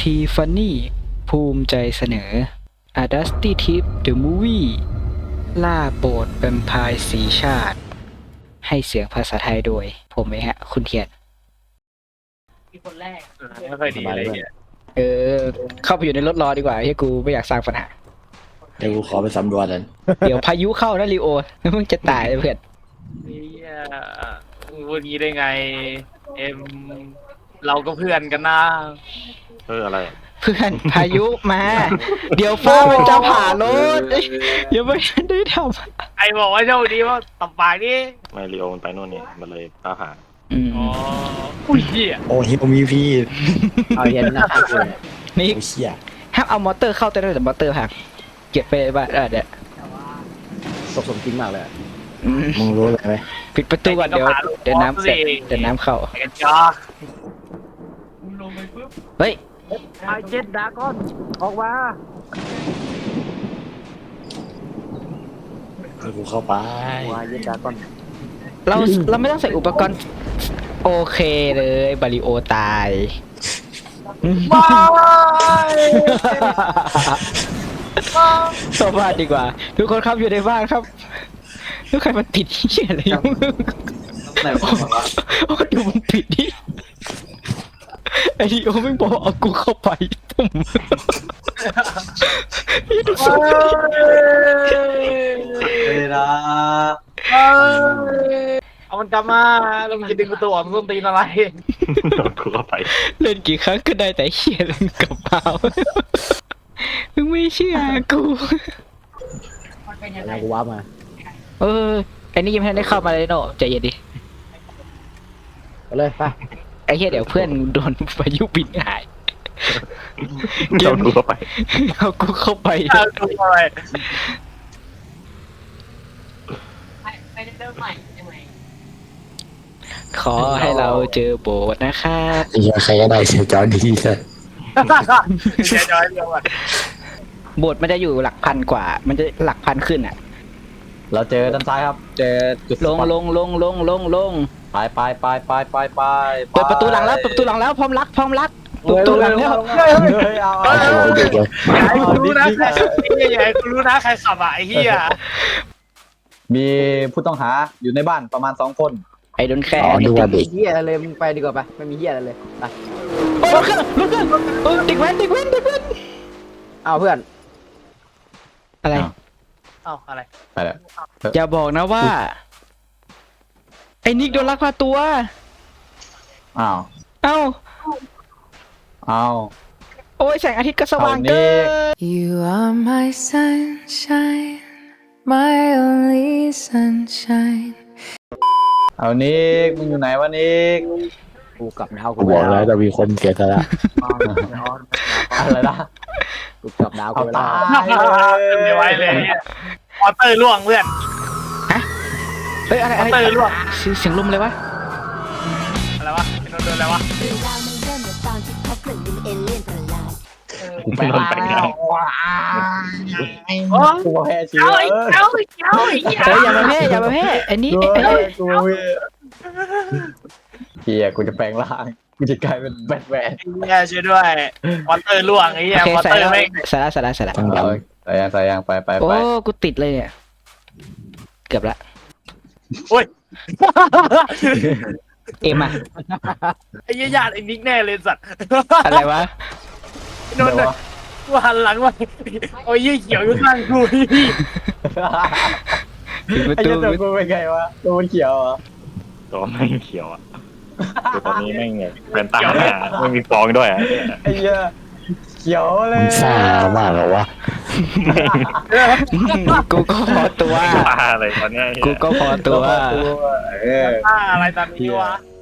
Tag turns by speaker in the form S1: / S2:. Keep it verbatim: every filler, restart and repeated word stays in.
S1: ทีฟันนี่ภูมิใจเสนอ A Dusty Tip The Movie ล่าโปรดแวมไพร์สีชาติ ให้เสียงภาษาไทยโดย ผมเองฮะ คุณเทียน
S2: มีคนแรก
S3: ไม่ค่อยดีอะไรเงี้ย
S1: เออ เข้าไปอยู่ในรถรอดีกว่าที่กูไม่อยากสร้างปัญหา
S4: เดี๋ยวกูขอไปสำรวจกัน
S1: เดี๋ยวพายุเข้านะลีโอแล้วมึงจะตายเพื่อน
S3: เนี่ยมึงพูดงี้ได้ไง เอ็มเราก็เพื่อนกันนะเอออะไร
S1: เพื่อนพายุมา เดี๋ยวฟ้ามันจะผ่ารถเอ้ยอย่าไม่ได้ท
S3: ไอบอกว่าโชคดีว่าตับปากนี่
S5: ไม่ลีโอมันไปโน่นนี่มันเลยตาหา
S1: ำอืม
S3: อ๋ออุ้ยเหี้ย
S4: โอ้ฮิวมีพี่
S2: เอาเย็นนะครับคุณ
S1: นี่
S4: โอ้เชี่ย
S1: ห้ามเอามอเตอร์เข้าแต่ได้แต่มอเตอร์หักเก็บไปบ้านเออเดี๋ยว
S2: สมสมจริงมากเลย
S1: อืม
S4: มึงรู้เลยไหม
S1: ปิดประตูก่อนเดี๋ยวเดี๋ยวน้ำเสร็จเดี๋ยวน้ำเข้า
S3: ไอ้กันจ้า
S1: เฮ้ย
S2: ไอเจ็ดดากอนออกมา
S4: ให้กูเข้าไป
S2: วายเจ็ดดากอน
S1: เราเราไม่ต้องใส่อุปกรณ์โอเคเลยบาริโอตายสบายดีกว่า ทุกคนครับอยู่ในบ้านครับทุกใครมันปิดที่อะไรอยู่โอ้ดูมันปิดดิไอ้ดิโอไม่บอกเอากูเข้าไปตุ่มนี่ดูส
S4: เวลา
S3: เอามันกลับมาแล้วมึงจะดึงประตูออกมึงต้องตีนอะไร
S5: โดนกูเข้าไป
S1: เล่นกี่ครั้งก็ได้แต่เฮียเล่นกับเปล่ามึงไม่เชื่อกู
S2: อะไรกูว้ามา
S1: เออไอ้นี่ยังไม่ได้เข้ามาเลยเนาะใจเย็นดิ
S2: ไปเลยไป
S1: ไอ้เหี้ยเดี๋ยวเพื่อนโดนพายุบินหาย
S5: โดนกูเข้าไป
S1: เอากูเข้าไป
S3: เอาตัวอะไร
S2: ไปเริ่มใหม่ใช่ไหม
S1: ขอให้เราเจอโบสถ์นะครับ
S4: ไอ้เหี้ยใครก็ได้เสียจอดีเลย
S3: เดี๋ยวย้อยเดียวก่อน
S1: โบสถ์มันจะอยู่หลักพันกว่า มันจะหลักพันขึ้นอ่ะ
S6: เราเจอด้านซ้ายครับ เจอจุด
S1: ลงลงลงลงลงลง
S6: ไปไปไปไปไปไป
S1: เปิดประตูหลังแล้วเปิดประตูหลังแล้วพร้อมรักพร้อมรักเปิดประตูหลังแล้ว
S6: เฮ้ยเอา
S4: เอา
S6: เอา
S4: เอาเด็กเลย
S3: อย่าให้กูรู้นะใครไอ้เหี้ยอย่าให้กูรู้นะใครขับอ่ะไอ้เหี้ย
S6: มีผู้ต้องหาอยู่ในบ้านประมาณสองคน
S1: ไอ้โดนแค่
S4: อ๋อดูว่าเด็ก
S2: เฮียอะไรเลยมึงไปดีกว่าไปไม่มีเฮียอะไรเลยไป
S1: โอ้ยรถเครื่องรถเครื่องเออเด็กแว้นเด็กแว้นเด็กแว้น
S2: เอาเพื่อน
S1: อะไร
S3: เอ้าอะไร
S6: ไปแล้ว
S1: อย่าบอกนะว่า ไอ้นิกโดนลักพาตัว
S6: อ้าว
S1: เอ้า
S6: อ้าว
S1: โอ้ยแสงอาทิตย์ก็สว่างเกิน
S7: You are my sunshine, my only sunshine.
S6: เอานิกมึงอยู่ไหนวะนิก
S2: กูกลับดาว
S4: กูบอกแล้วจะมีคนเสียสละ
S6: อะไรนะ
S2: กูกลับดาว
S6: เอา
S2: กู
S6: ตา
S2: ตาย
S6: ย
S3: ไม่ไหวเลยเนี่ยมอเตอร์ล่วงเพื่อน
S1: เฮ้ยอะไร
S3: ม
S1: อะ
S3: อ
S1: ไร
S3: เตอร์ล่วง
S1: เสียงเสียงลมเลยวะ
S3: อะไรวะเป็นโดนอะไรวะ
S8: เรื่องราวมันเริ่มจากตอนที่พบเครื่องบินเอเลี่ยนประหลาด
S6: กูแปลงร่าง
S3: โอ้
S6: กูแพ้ชีวิ
S3: เอา
S6: ต
S3: ไอ้เอาไอ้เอาไอ้เหี้ย
S1: เฮ้ยอย่ามาแพ้อย่ามาแพ้อันนี้
S6: กู
S1: ไอ้ไอ้
S6: กูเฮียกูจะแปลงร่างกูจะกลายเป็นแบทแมน
S3: เหี้ยช่วยด้วยมอเตอร์ล่วงไอ้เหี้ย
S1: โอเค
S3: มอ
S1: ใส่
S3: เตอ
S1: แล้
S3: ร์
S1: ว
S3: แม่ง
S1: ใส่แล้วใส่แล้วใส่แล้ว
S4: ต้องด
S6: เอาใส่ยังใส่ยังไปไป
S1: โอ้
S6: ไป
S1: กูติดเลยเนี่ยเกือบละ
S3: โอ้ย
S1: เอ็มอะ
S3: ไอ้เหี้ยญาติไอ้นิกแน่เลยสัตว์
S1: อะไรวะ
S3: โดนเลยกูหันหลังมาโอ้ยยี่เขียวอยู่ข้างกูนี่
S1: ปิดประ
S6: ไอ้
S1: ตู
S6: เจ้าตัวกูเป็นไงวะตัวมันเขียวเหรอ่ะ
S5: ตัวแม่งเขียวอ่ะคือตอนนี้แม่งเนี่ยเป็นตาหน้าไม่มีฟองด้วยอ่ะ
S6: ไอ้เหี้ยเขียวเล
S4: ำ
S6: ย
S4: มึงซ่ามากเหรอวะ
S1: กูก็พอตัว
S5: ตาอะไรตอนเนี้ย
S1: กูก็พอตัว
S6: เออ
S3: อะไรตอนนี้วะ